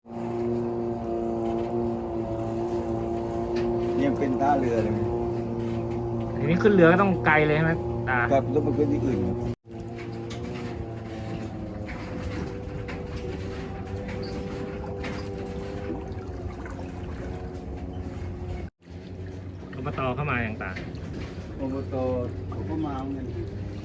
ยังเป็นท่าเรือเลยทีนี้ขึ้นเรือก็ต้องไกลเลยใช่ไหมตากับต้องมาขึ้นที่อื่นอบตเข้ามาอย่างตาอบตเขาก็มาเหมือนกัน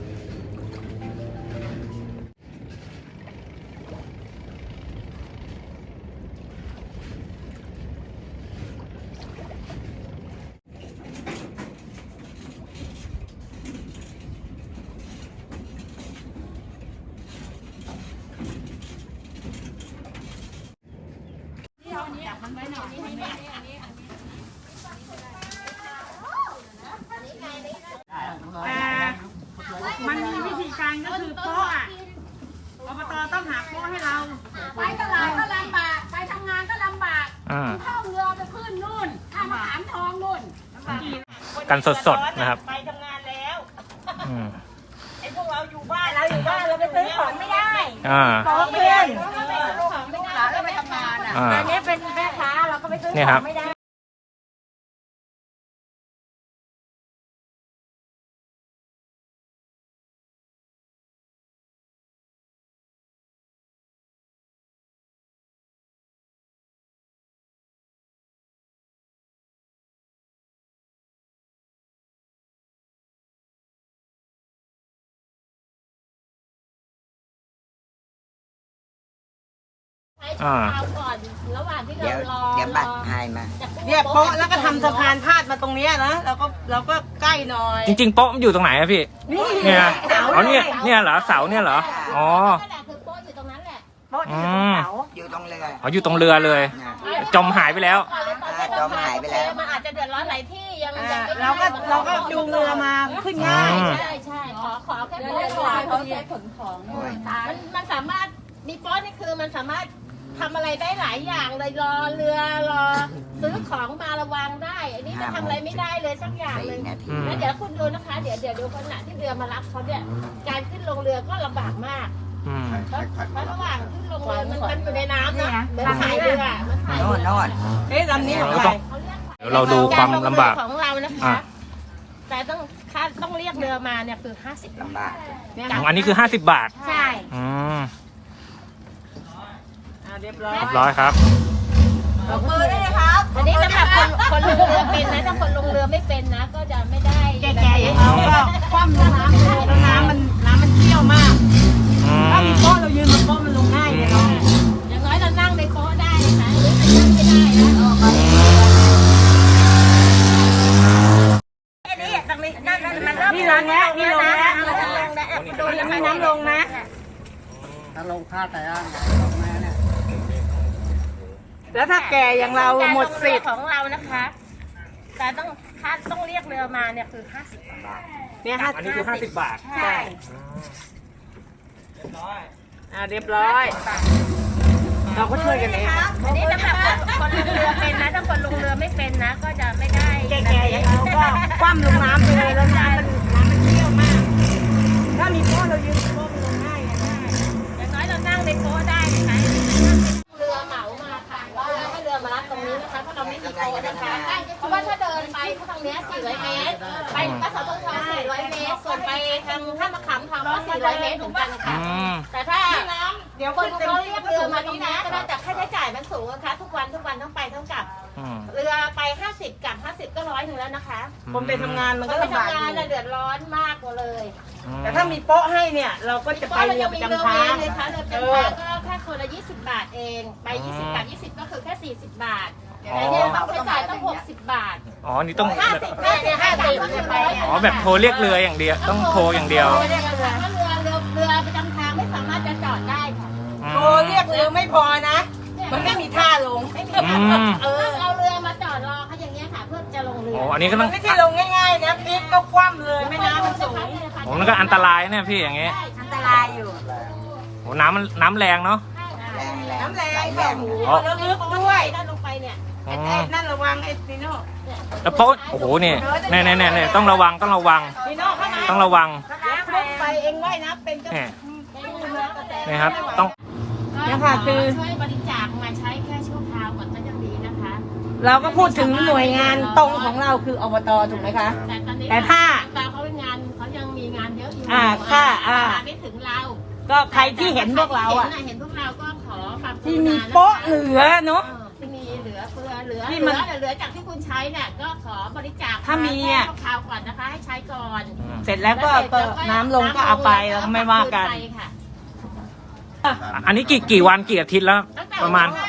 มันมีวิธีการก็คือโป๊ะอ่ะอบตต้องหาโป๊ะให้เราไปตลาดก็ลำบาก ไปทำงานก็ลำบากอ่าเข้าเรือไปขึ้นนู่นข้ามมะขามทองนู่นกันสดๆนะครับไปทำงานแล้วอืมไอ้พวกเราอยู่บ้านเราไปซื้อของไม่ได้อ่าขอเพื่อนลูกหลานก็ไปทำงานอ่ะอ่าอันนี้เป็นแม่ค้าเราก็ไปซื้อเนี่ยขครัอบ งไม่ได้อ่าเอาก่อนระหว่างที่เรารอเดี๋ยวบัตรหายมาเนี่ยโป๊ะแล้วก็ทำสะพานพาดมาตรงเนี้ยนะเราก็ใกล้หน่อยจริงๆโป๊ะมันอยู่ตรงไหนอะพี่ เนี่ยอ๋อเนี่ยเหรอเสาเนี่ยเหรอ อ๋อนั่นแหละคือโป๊ะอยู่ตรงนั้นแหละโป๊ะที่อยู่ตรงเสาอยู่ตรงเรืออ๋ออยู่ตรงเรือเลย จมหายไปแล้วจมหายไปแล้วมันอาจจะเดือดร้อนหลายที่ยังไม่เราก็จูงเรือมาขึ้นง่ายใช่ใช่ขอแค่โป๊ะก่อนเขาใช้ขนของมันสามารถมีโป๊ะนี่คือมันสามารถทำอะไรได้หลายอย่างเลยรอเรือรอซื้อของมาระวังได้อันนี้จะทำอะไรไม่ได้เลยสักอย่างเลย 4 นาทีแล้วเดี๋ยวคุณดูนะคะ เดี๋ยวดูขณะที่เรือมารับเขาเนี่ยการขึ้นลงเรือก็ลำบากมากอืมเพราะระหว่างขึ้นลงเรือมันอยู่ในน้ำนะเหมือนถ่ายเรือมันถ่ายโน่นโน่นเอ๊ะลำนี้ของใครเดี๋ยวเราดูความลำบากของเรานะคะอ่ะแต่ต้องเรียกเรือมาเนี่ยคือ50 ลำบากของอันนี้คือ50 บาทใช่อืมเรียบร้อยเรียบร้อยครับตบมือได้เลยครับอันนี้สำหรับคนลงเรือเป็นนะถ้าคนลงเรือไม่เป็นนะ ก็จะไม่ได้แก่ๆอย่างเราก็คว่ำลงน้ำเลยแล้วน้ำมันเชี่ยวมากอืถ้าม มีโป๊ะเรายืนบนโป๊ะมันลงง่ายเลยเนาะอย่างน้อยเรานั่งในโป๊ะได้นะคะหรือจะนั่งไม่ได้นะออกมานี่ลงแล้วนี่ลงแล้วดูยังมีน้ำลงนะถ้าลงค่าแต่ย่างแม่เนี่ยแล้วถ้าแก่อย่างเราหมดสิทธิ์ของเรานะคะ แต่ต้องเรียกเรือมาเนี่ยคือ50 บาทเนี่ยอันนี้คือ50 บาทใช่เรียบร้อย เราก็ช่วยกันเองอันนี้สำหรับคนลงเรือเป็นนะถ้าคนลงเรือไม่เป็นนะ ก็จะไม่ได้แก่ๆอย่างเราก็คว่ำลงน้ำไปเลยแล้วน้ำมันเชี่ยวมาก ถ้ามีโป๊ะเรายืนบนโป๊ะมันลงง่ายไงอย่างน้อยเรานั่งในโป๊ะได้นะคะเรือเหมามาค่ะว่าให้เรือมารับตรงนี้นะคะเพราะเราไม่มีโป๊ะนะคะเพราะว่าถ้าเดินไปทางเนี้ย400 เมตร ไปกสทช400 เมตร ส่วนไปทางท่ามะขามทองก็400 เมตรเหมือนกันค่ะอืมแต่ถ้าเดี๋ยวคนเขาเรียกเรือมาตรงนี้ก็ได้แต่ค่าใช้จ่ายมันสูงนะคะทุกวันทั้งไปทั้งกลับอืมเรือไป50กลับ50ก็100 แล้วนะคะคนไปทำงานมันคก็นไปลำบากทำงานอน่ะยู่เดือดร้อนมากกว่าเลยแต่ถ้ามีโป๊ะให้เนี่ย เราก็จะเพไปราะเราเรือยังปมีระเรือจำเวทางรเลยค่ะเรือประจำทางก็แค่คนละ20 บาทเองไป20กลับ20ก็คือแค่40 บาทแต่เนี่ยต้องใช้จ่ายต้อง60 บาทอ๋อ นี่ต้อง 50เนี่ย50ก็คือ100 อ๋อ แบบโทรเรียกเรืออย่างเดียว ต้องโทรอย่างเดียวถ้าเรือประจำทางไม่สามารถจะจอดได้ค่ะโทรเรียกเรือไม่พอนะ มันไม่มีท่าลงไม่มีอืมเอาเรือมาจอดรอเขาอย่างเงี้ยค่ะเพื่อจะลงเรือโอ้อันนี้ก็มัต้อน งไม่ใช่ลงง่ายๆนะพลิกก็คว่ำเลยแม่น้ำมันสูงโอ้มันก็อันตรายเนี่ยพี่อย่างเงี้ยอันตรายอยู่โอ้น้ำแรงเนาะแรงแรงน้ำแรงไหลแรค่ะงหมูแล้วลึกด้วยด้านลงไปเนี่ยอ๋อไอ้นั่นระวังไอ้นีโน่แล้วโป๊ะโอ้โหเนี่ยเนี่ยต้องระวังนีโน่เข้ามาต้องระวังลุกไปเองว่ายน้ำเป็นก็เนี่ยนี่ครับ ต้องเนี่ยค่ะคือช่วยบริจาคมาใช้แค่เราก็พูดถึงหน่วยงานตรงของเราคืออบตถูกไหมคะแต่ตอนนี้แต่ถ้าตาเขาเป็นงานเขายังมีงานเยอะอยู่ค่ะมาไม่ถึงเราก็ใครที่เห็นพวกเราอ่ะเห็นพวกเราก็ขอความกรุณาที่มีโป๊ะเหลือเนาะที่มีเหลือเฟือเหลือที่มันเหลือจากที่คุณใช้เนี่ยก็ขอบริจาคถ้ามีแค่อ่ะชั่วคราวก่อนนะคะให้ใช้ก่อนเสร็จแล้วก็น้ำลงก็เอาไปแล้วก็ไม่ว่ากันไปค่ะอันนี้กี่วันกี่อาทิตย์แล้วตั้งแต่ประมาณ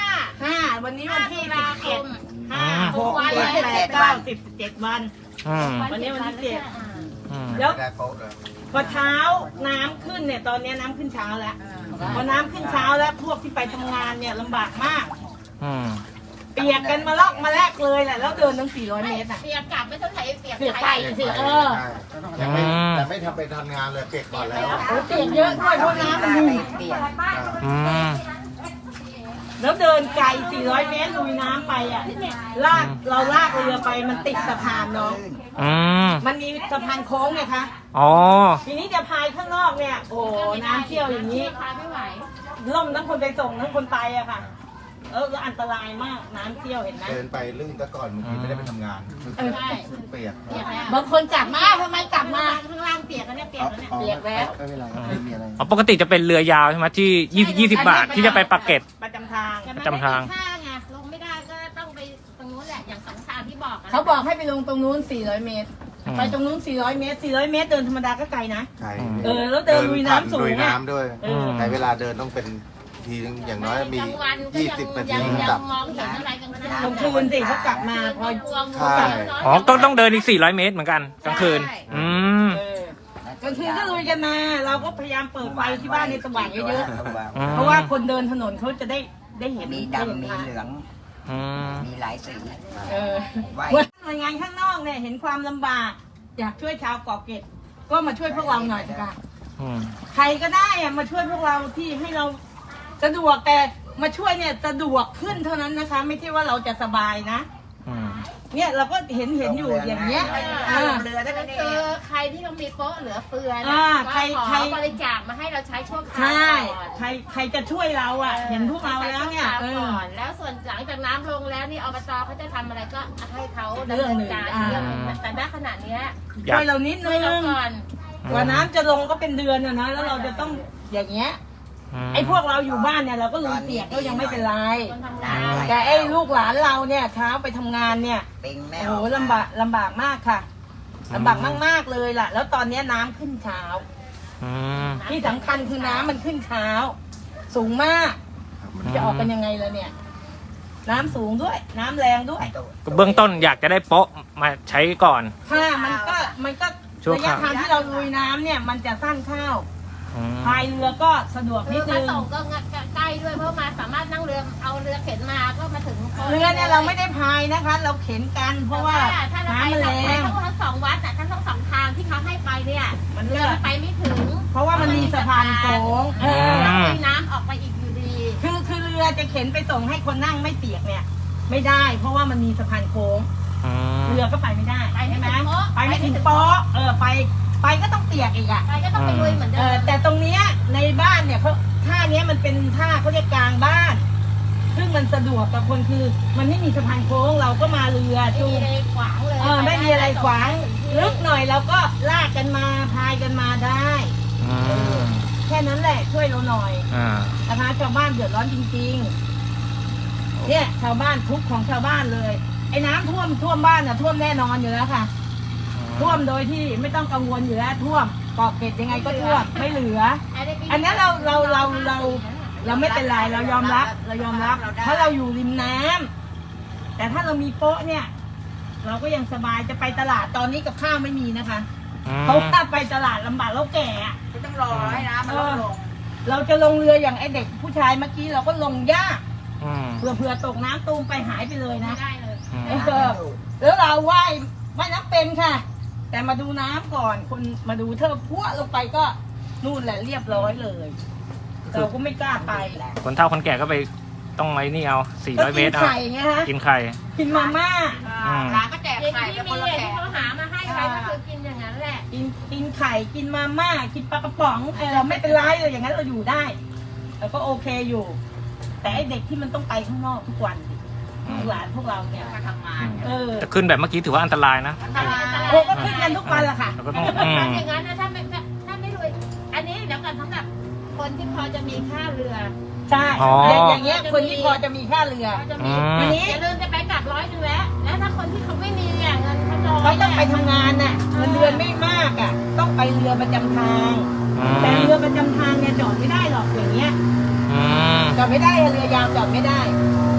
5 วันนี้วันที่ตุลาคม 11 5 6 7 8 9 10 11 วันอืมวันนี้วันที่7 อืมแล้วได้โป๊ะเลยพอเช้าน้ำขึ้นเนี่ยตอนนี้น้ำขึ้นเช้าแล้วพอน้ำขึ้นเช้าแล้วพวกที่ไปทำงานเนี่ยลำบากมากอืมเปียกกันมาลอกมาแลกเลยแหละแล้วเดินตั้ง400 เมตรอ่ะเปียกกลับไม่เท่าไหร่เปียกเปียกไปไปสิแต่ไม่ทำไปทำงานเลยเปียกก่อนแล้วเปียกเยอะด้วยเพราะน้ำมันมีอืมแล้วเดินไกล400 เมตรลุยน้ำไปอ่ะเราลากเรือไปมันติดสะพานเนาะอืมมันมีสะพานโค้งไงคะอ๋อทีนี้จะพายข้างนอกเนี่ยโอ้น้ำเชี่ยวอย่างนี้พาไม่ไหวล่มทั้งคนไปส่งทั้งคนไปอะค่ะแล้วอันตรายมากน้ำเชี่ยวเห็นไหมเดินไปลื่นซะก่อนบางทีไม่ได้ไปทำงานใช่เปียกเปียกแล้วบางคนกลับมาทำไมกลับมาข้างล่างเปียกแล้วเนี่ยเปียกแล้วเนี่ยเปียกแล้วไม่เป็นไรครับไม่มีอะไรอ๋อปกติจะเป็นเรือยาวใช่ไหมที่20 บาทที่จะไปปากเกร็ดประจำทางแต่มันจำทางไม่มีท่าไงลงไม่ได้ก็ต้องไปตรงนู้นแหละอย่างสองทางที่บอกะเขาบอกให้ไปลงตรงนู้น400 เมตรอืมไปตรงนู้น400 เมตร400 เมตรเดินธรรมดาก็ไกลนะใช่แล้วเดินลุยน้ำสูงลุยอะน้ำด้วยเออใช้เวลาเดินต้องเป็นทีนึงอย่างน้อยมีกลางวันก็ยัง 20 นาทียังกลับมองเห็นอะไรกันนะกลางคืนสิเขากลับมาพอใช่อ๋อต้องเดินอีก400 เมตรเหมือนกันกลางคืน อืมกลางคืนก็ลุยกันมาเราก็พยายามเปิดไฟที่บ้านในสว่างเยอะอืมๆเพราะว่าคนเดินถนนเขาจะได้เห็นมีดำ มีเหลืองอืมมีหลายสีเออไว้หน่วยงานข้างนอกเนี่ยเห็นความลำบากอยากช่วยชาวเกาะเกร็ดก็มาช่วยพวกเราหน่อยค่ะอืมใครก็ได้อะมาช่วยพวกเราที่ให้เราสะดวกแต่มาช่วยเนี่ยสะดวกขึ้นเท่านั้นนะคะ ไม่ใช่ว่าเราจะสบายนะอืมเนี่ยเราก็เห็นอยู่อย่างเงี้ยเรือได้ก็คือใครที่เขามีโป๊ะเหลือเฟืออ่านะใครก็ขใครอบริจาคมาให้เราใช้ชั่วคราวใช่ก่อนใครจะช่วยเราอ่ะ เห็นพวกเราแล้วเนี่ยใช้ชั่วคราวก่อนแล้วส่วนหลังจากน้ำลงแล้วนี่อบตเขาจะทำอะไรก็ให้เขาดำเนินการเรื่องหนึ่งแต่ณขณะเนี้ยอยากช่วยเรานิดช่นึวยเรางก่อนกว่าน้ำจะลงก็เป็นเดือนอะนะแล้วเราจะต้องอย่างเงี้ย ไอ้พวกเราอยู่บ้านเนี่ยเราก็ลุยเปียกก็ยังไม่เป็นไรคนทำงานแต่ไอ้ลูกหลานเราเนี่ยเช้าไปทำงานเนี่ยเป็นแม่โอ้โหลำบากมากค่ะลำบากมากๆเลยล่ะ แล้วตอนนี้น้ำขึ้นเช้าอืมที่สำคัญคือน้ำมันขึ้นเช้า สูงมาก จะออกกันยังไงล่ะเนี่ย น้ำสูงด้วย น้ำแรงด้วยก็เบื้องต้นอยากจะได้โป๊ะมาใช้ก่อนค่ะมันก็ชั่วระคยะราวทางที่เราลุยน้ำเนี่ยมันจะสั้นเข้าอืมพายเรือก็สะดวกคืนิอดมานึงส่งก็ใกล้ด้วยเพราะมาสามารถนั่งเรือเอาเรือเข็นมาก็มาถึงโป๊ะเรือเนี่ยเราไม่ได้พายนะคะ เราเข็นกันเพราะว่าถ้าเราไปน้ำมันแรงทั้งสองวัดแต่ทั้งสองทางที่เขาให้ไปเนี่ยมันเรืเลืออมันไปไม่ถึงเพราะว่ามันมีสะพานโค้งแล้วมีน้ำออกไปอีกอยู่ดีคือเรือจะเข็นไปส่งให้คนนั่งไม่เปียกเนี่ย ไม่ได้ เพราะว่ามันมีสะพานโค้งอืมเรือก็ไปไม่ได้ไปไม่ใช่ไหมถึงโป๊ะไปไม่ถึงโป๊ะไปก็ต้องเปียกอีกอ่ะไปก็ต้องไปลุยเหมือนเดิมแต่ตรงเนี้ยในบ้านเนี่ยเขาท่าเนี้ยมันเป็นท่าเขาเรียกกลางบ้าน ซึ่งมันสะดวกกับคนคือ มันไม่มีสะพานโค้งเราก็มาเรือไม่จูมีงอะไรขวางเลยไม่มีอะไรขวางลึกหน่อยเราก็ลากกันมาพายกันมาได้อืมแค่นั้นแหละช่วยเราหน่อยอ่านะคะชาวบ้านเดือดร้อนจริงๆ เนี่ยชาวบ้านทุกข์ของชาวบ้านเลย ไอ้น้ำท่วมบ้านน่ะท่วมแน่นอนอยู่แล้วค่ะ ท่วมโดยที่ไม่ต้องกังวลอยู่แล้วท่วมเกาะเกร็ดยังไงก็ท่วมไม่เหลือ อันนี้เราไม่เป็นไรเรายอมรับเพราะเราอยู่ริมน้ำแต่ถ้าเรามีโป๊ะเนี่ย เราก็ยังสบายจะไปตลาดตอนนี้กับข้าวไม่มีนะคะอืมเพราะว่าไปตลาดลำบากเราแก่อะต้องรอให้น้ำมันลดลงเราจะลงเรืออย่างไอเด็กผู้ชายเมื่อกี้เราก็ลงยากอืมเผื่อตกน้ำตูมไปหายไปเลยไม่นะได้เลยอืมแล้วเราว่ายน้ำเป็นค่ะ แต่มาดูน้ำก่อนคนมาดูเธอพัวลงไปก็นู่นแหละเรียบร้อยเลยเราก็ไม่กล้าไปคนเฒ่าคนแก่ก็ไปต้องไอ้นี่เอา400 เมตรก็กินเอาไข่ไงฮะกินไข่กินมาม่าอืมร้านก็แจกอย่างไข่ที่กับคมีนละที่แขกเขาหามาให้ใครก็คือกินอย่างนั้นแหละกินไข่กินมาม่ากินปลากระป๋องเราไม่เป็นไรเลยอย่างนั้นเราอยู่ได้เราก็โอเคอยู่ แต่ไอเด็กที่มันต้องไปข้างนอกทุกวันลูกหลานพวกเราเนี่ยมาทำงานแต่ขึ้นแบบเมื่อกี้ถือว่าอันตรายนะอันตรายโอ้ก็ขึ้นกันทุกวันแหละค่ะแล้วก็ต้องถ้าอย่างนั้นนะถ้าไม่รวยอันนี้เดี๋ยวกันสำหรับคนที่พอจะมีค่าเรือใช่อย่างเงี้ยคนที่พอจะมีค่าเรือพอจะมีอันนี้อย่าลืมจะไปกลับ100แล้วแล้วถ้าคนที่เขาไม่มีเงินเขาน้อยเขาต้องไปทำงานน่ะเงินเดือนไม่มากอ่ะ ต้องไปเรือประจำทาง แต่เรือประจำทางเนี่ยจอดไม่ได้หรอกอย่างเงี้ยอืมจอดไม่ได้เรือยาวจอดไม่ได้อ